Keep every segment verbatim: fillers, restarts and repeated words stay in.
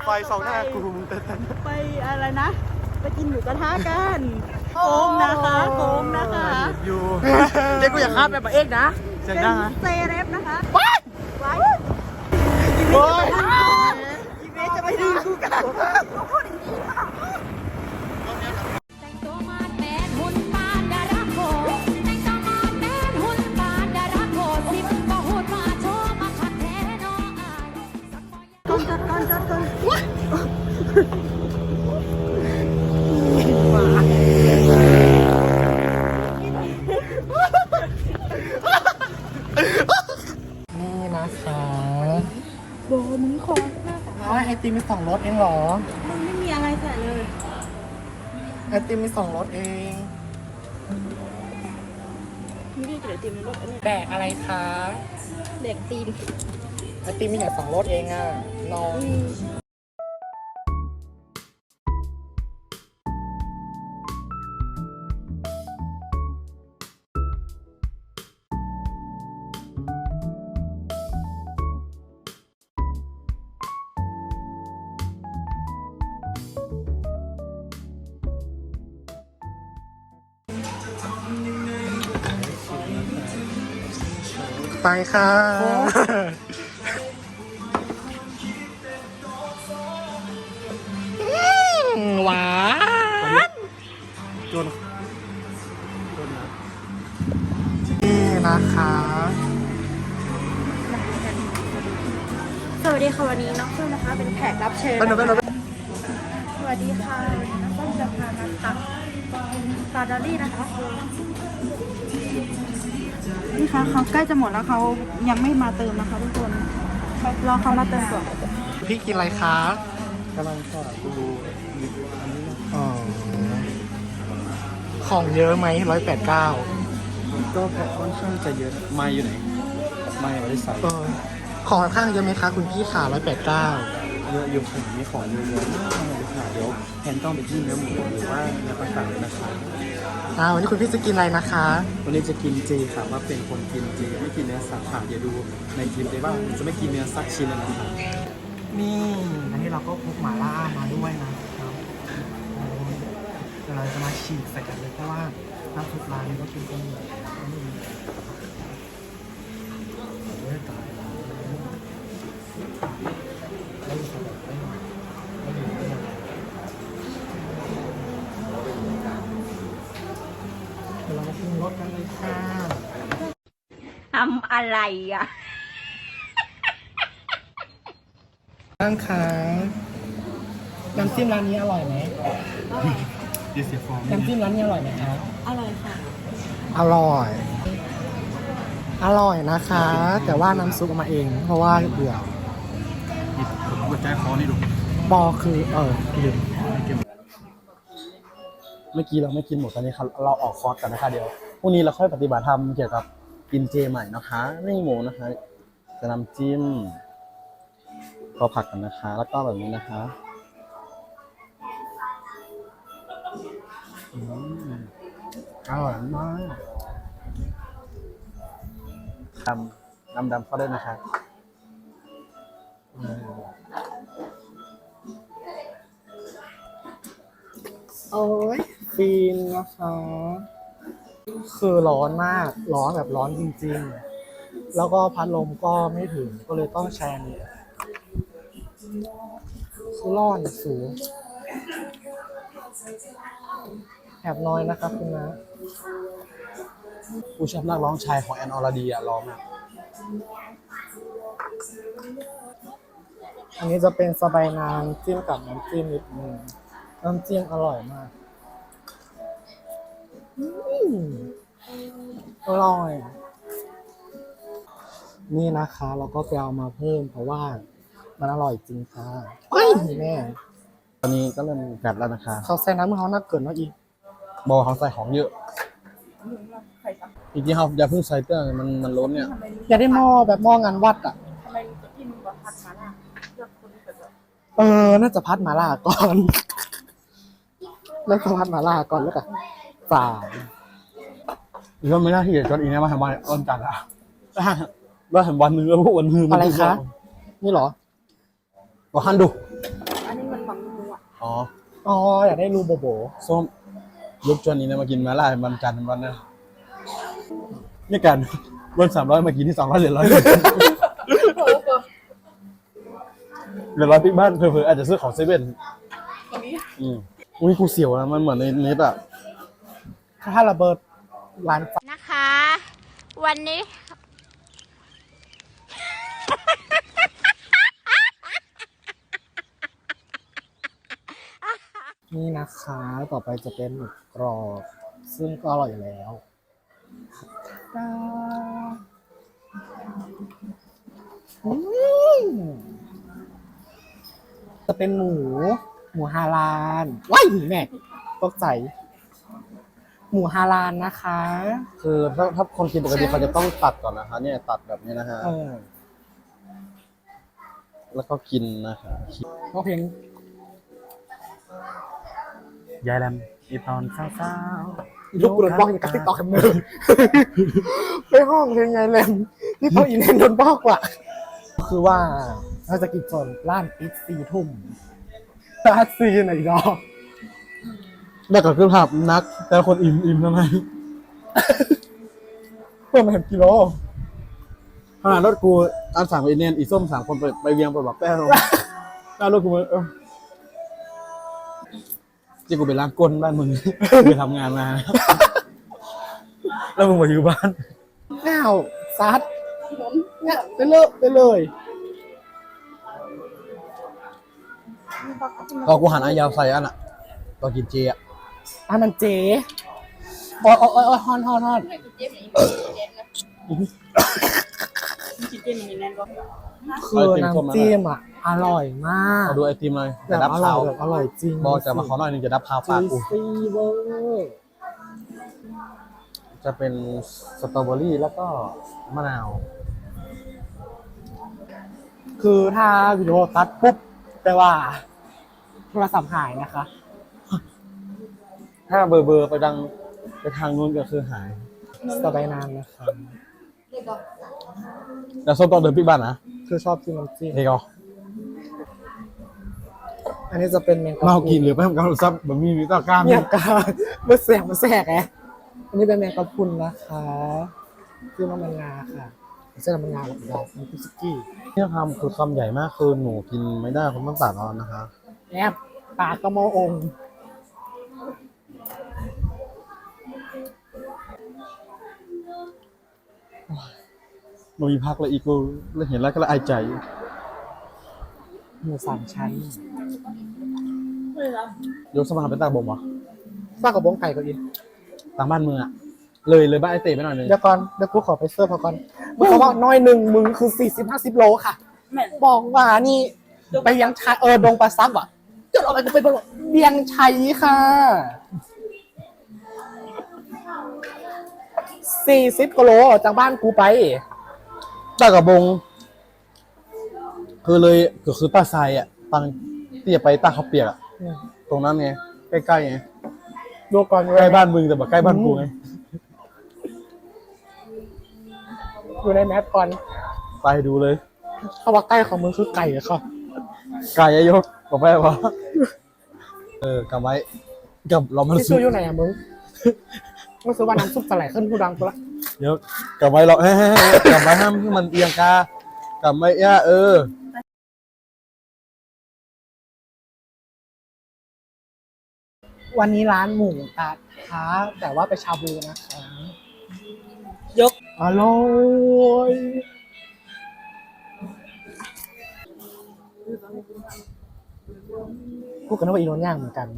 ไฟสองหน้ากูมึงเต้นไปอะไรนะไปกินหมูกระทะกันโค้งนะคะโค้งนะคะอยู่เด็กกูอยากข้ามไปปะเอกนะเสียงดังนะเซเรฟนะคะว้ายว้ายอีเมย์อีเมย์จะไปดึงกูกันนี่นะคะโบมึงคออ๋อไอติมมีสองรสเองเหรอมึงไม่มีอะไรใส่เลยไอติมมีสองรสเองไม่ได้กินไอติมในรถอันนี้แดกอะไรคะเด็กตีนไอติมมีแค่สองรสเองอ่ะน้องไปค่ะหวานจนนี่นะคะสวัสดีค่ะวันนี้น้องเฟื่องนะคะเป็นแขกรับเชิญเป็นหนูเป็นหนูสวัสดีค่ะวันนี้น้องเฟื่องจะพามาตักสตรอเบอรี่นะคะนี่ค่ะเขาใกล้จะหมดแล้วเขายังไม่มาเติมนะคะทุกคนรอเขามาเติมก่อนพี่กินอะไรคะกำลังทอดดูอ๋อของเยอะไหมร้อยแปดเก้าก็ค่อนข้างจะเยอะไม้อยู่ไหนไม้บริษัทของค่อนข้างเยอะไหมคะคุณพี่ขาร้อยแปดเก้าเยอะอยู่ผมมีของเยอะๆมากเลยค่ะเดี๋ยวแทนต้องไปที่เนื้อหมูหรือว่าเนื้อปลาเลยนะคะอ่าวันนี้คุณพี่จะกินอะไรนะคะวันนี้จะกินเจค่ะว่าเป็นคนกินเจไม่กินเนื้อสัตว์ค่ะอย่าดูในคลิปได้ว่าจะไม่กินเนื้อสักชิ้นเลยนะคะนี่อันนี้เราก็พกหม่าล่ามาด้วยนะครับเดี๋ยวเราจะมาฉีกใส่กันเลยเพราะว่าน้ำซุปร้านนี้ก็กินกันอยู่เรามาชิมรสกันเลยค่ะทำอะไรอ่ะบ้างคะน้ำจิ้มร้านนี้อร่อยไหมดีเสียฟองน้ำจิ้มร้านนี้อร่อยไหมครับอร่อยค่ะอร่อยอร่อยนะคะแต่ว่าน้ำซุปมาเองเพราะว่าเบื่อผมกดใจคอนี่ดูบอคือเออลืมเมื่อกี้เราไม่กินหมดตอนนี้เราออกคอร์สกันนะคะเดี๋ยวพรุ่งนี้เราค่อยปฏิบัติธรรมเกี่ยวกับกินเจใหม่นะคะไม่หมูนะคะจะน้ำจิ้มก็ผักกันนะคะแล้วก็แบบนี้นะคะอร่อยมากดำดำดำเข้าได้นะคะโอ้ยฟินนะคะคือร้อนมากร้อนแบบร้อนจริงๆแล้วก็พัดลมก็ไม่ถึงก็เลยต้องแชร์นี่คือร้อนสูงแอบน้อยนะครับคุณนะผู้ชอบนักร้องชายของแอนอรดีอะร้องอะอันนี้จะเป็นสบายนางจิ้มกับน้ำจิ้มนิดนึงน้ำจิ้มอร่อยมากอร่อยนี่นะคะเราก็ไปเอามาเพิ่มเพราะว่ามันอร่อยจริงค่ะเฮ้ยแม่ตอนนี้ก็เริ่มกัดแล้วนะคะเขาใส่น้ำมันเขาน่าเกินว่าอีกบอเขาใส่ของเยอะอีกทีเขาอย่าเพิ่งใส่เตื้อมันมันล้นเนี่ยอย่าได้หม้อแบบหม้องานวัดอ่ะทำไมจะกินแบบผัดมาล่ะเลือกคนที่แบบเออน่าจะพัดมาล่าก่อนแล้วก็พัดมาล่าก่อนแล้วกันฝ่าอีกก็ไม่น่าที่จะจดอีกนะมาทำวันอ้นกันอ่ะว่าทำวันนึงแล้วพวกวันนึงอะไรคะนี่เหรอบอกฮันดูอ๋ออ๋ออยากได้รูโบโบส้มยุคจวนนี้นะมากินมาล่าวันจันทร์วันนั้นนี่กันวันสามร้อยมากินที่สองร้อยเหลือร้อยเหลือร้อยปิ๊กบ้านเผื่อๆอาจจะซื้อของเซเว่นอืมอุ้ยกูเสียวนะมันเหมือนในเน็ตอ่ะถ้าระเบิดร้านนะคะ วันนี้นี่นะคะ ต่อไปจะเป็นหมึกกรอบ ซึ่งก็อร่อยอยู่แล้วตาอืมจะเป็นหมู หมูฮาลาลว้ายแม่ตกใจ หมูฮาลาลนะคะคือถ้าถ้าคนกินปกติเขาจะต้องตัดก่อนนะคะ เนี่ยตัดแบบนี้นะฮะเออแล้วก็กินนะคะก็เพลงยายแรมอีตอนเศร้าลูกโดนบอกอย่างกับติ๊กต็อกแคมเนอร์ไปห้องเพลงไงแลมที่เขาอีเนนโดนบอกว่ะคือว่าเราจะกินจนร้านปิดสี่ทุ่มร้านซีไหนดอกๆแล้วก็คือภาพนัก แต่คนอิ่มอิ่มทำไมเพื่อมาเห็นกิโลขนาดรถกูอันสั่งไปเนียนอีส้มสามคนไปไปเวียงไปบอกแป้วหน้ารถกูเออที่กูไปล้างก้นบ้านมึง ไปทำงานมา แล้วมึงมาอยู่บ้านแนวซัดเนี่ยไปเลยไปเลยก็กูหันอายาวใส่อันอ่ะตอนกินเจอ่ะอ่ะมันเจ๊โอ้ยโอ้ยโอ้ยฮอนฮอนฮอนคือน้ำจิ้มอ่ะ อร่อยมากเอาดูไอติมเลยแบจะบดับอร่อขาย วแบบอร่อยจริงบอกจะมาขอหน่อยหนึงจะดับขาวปากจูกูซี่เวอร์จะเป็นสตรอเบอรี่แล้วก็มะนาวคือถ้าวิดีโอตัดปุ๊บแปลว่าโทรศัพท์หายนะคะถ้าเบอร์เบอร์ไปดังไปทางนู้นก็คือหายสบายนานนะคะแล้วส้มต้องเดินพี่บ้านนะคือชอบกินน้ำจิ้มเด็กอ๋ออันนี้จะเป็นแมงกะพรุนเมากินหรือไปทำการซับแบบมีมีตากล้ามเนี่ยกามันแสกมันแสกไงอันนี้เป็นแมงกะพรุนนะคะคือน้ำมันงาค่ะไม่ใช่น้ำมันงาหรอกดอกมันคือสกี้เนี่ยคำคือคำใหญ่มากคือหนูกินไม่ได้คุณต้องตัดเอานะคะแอบปากกระโมองค์หนูมีพักเลยอีกกูแล้วเห็นแล้วก็ละอายใจหมูสามชั้นยกสมาเป็นตากบ่มวะซากกระบองไก่ก็อีกตามบ้านเมืองอะเลยเลยบ้านไอเต๋ไปหน่อยนึงเดี๋ยวก่อนเดี๋ยวกูขอไปเสิร์ฟเขาก่อนมึงเขาบอกน้อยหนึ่งมึงคือสี่สิบห้าสิบโลค่ะ บอกว่านี่ไปยังชัยเออดงปลาซับอ่ะเดี๋ยวเราไปไปบอกเบียงชัยค่ะสี่สิบกิโลจากบ้านกูไปตากระบง คือเลยก็คือตาทรายอะตังเตี้ยไปตาเขาวเปียกอะตรงนั้นไงใกล้ๆไงดูก่อนใกล้บ้านมึงแต่แบบใกล้บ้านกูไงอยู่ในแมปก่อนไปดูเลยเขาว่าใกล้ของมึงคือไก่อะค่ะไก่ยกบอกไปว่าเออกำไว้กับเรามันที่ซุซื้ปออยู่ไหนอะมึงมึงซื้อว่าน้ำซุปสไลด์ขึ้นผู้ดังกูละเดี๋ยวกำไว้เราเฮ้ยกำไว้ห้ามให้มันเอียงกากำไว้ย่าเออวันนี้ร้านหมูกระทะแต่ว่าไปชาบูนะคะยกอร่อยพูดกันว่าอีโนนย่างเหมือนกัน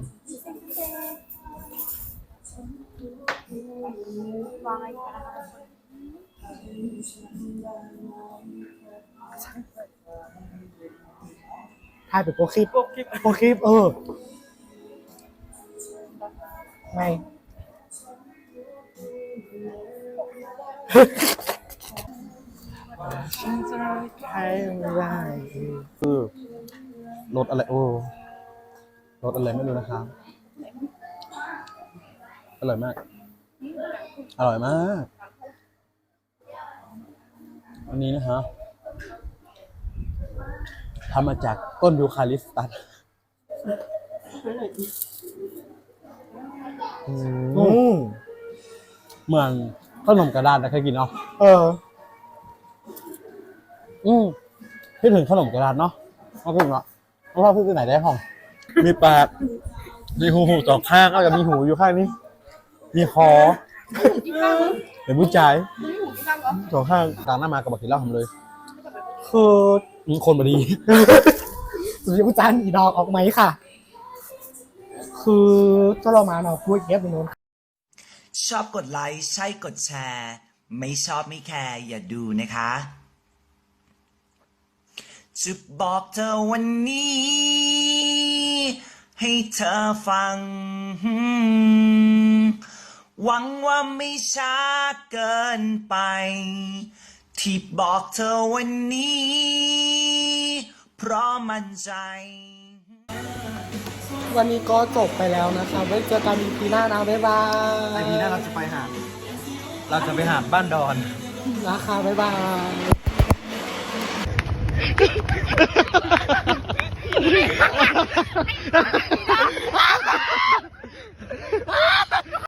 ถ่ายเป็นโปรคลิป โปรคลิป เออ ไม่ ฉันจะรักใครไม่ได้คือรสอะไรโอ้รสอะไรไม่รู้นะครับอร่อยมาก อร่อยมากอันนี้นะฮะทำมาจากต้นยูคาลิปตัสอืมเหมือนขนมกระดาษนะเคยกินเนาะเอออืมคิดถึงขนมกระดาษเนาะเอาพูดเนาะเอาว่าพูดที่ไหนได้ห้อง มีปากมีหูหูสองข้างก็จะมีหูอยู่ข้างนี้ มีคอเป็นผู้ชายสองข้างต่างหน้ามากับบักกินเหล้าทำเลยคืออืมคนบดีสุริยุจันทร์อีดอกออกไหมค่ะ คือเจ้าเรามาเนาะคุยเก็บอยู่นู้นชอบกดไลค์ใช่กดแชร์ ไม่ชอบไม่แคร์อย่าดูนะคะจะบอกเธอวันนี้ ให้เธอฟัง หวังว่าไม่ช้าเกินไป ที่บอกเธอวันนี้ เพราะมั่นใจวันนี้ก็จบไปแล้วนะคะไว้เจอกันอีพีหน้านะบ๊ายบายไอพีหน้าเราจะไปหาดเราจะไปหาดบ้านดอนนะคะบ๊ายบาย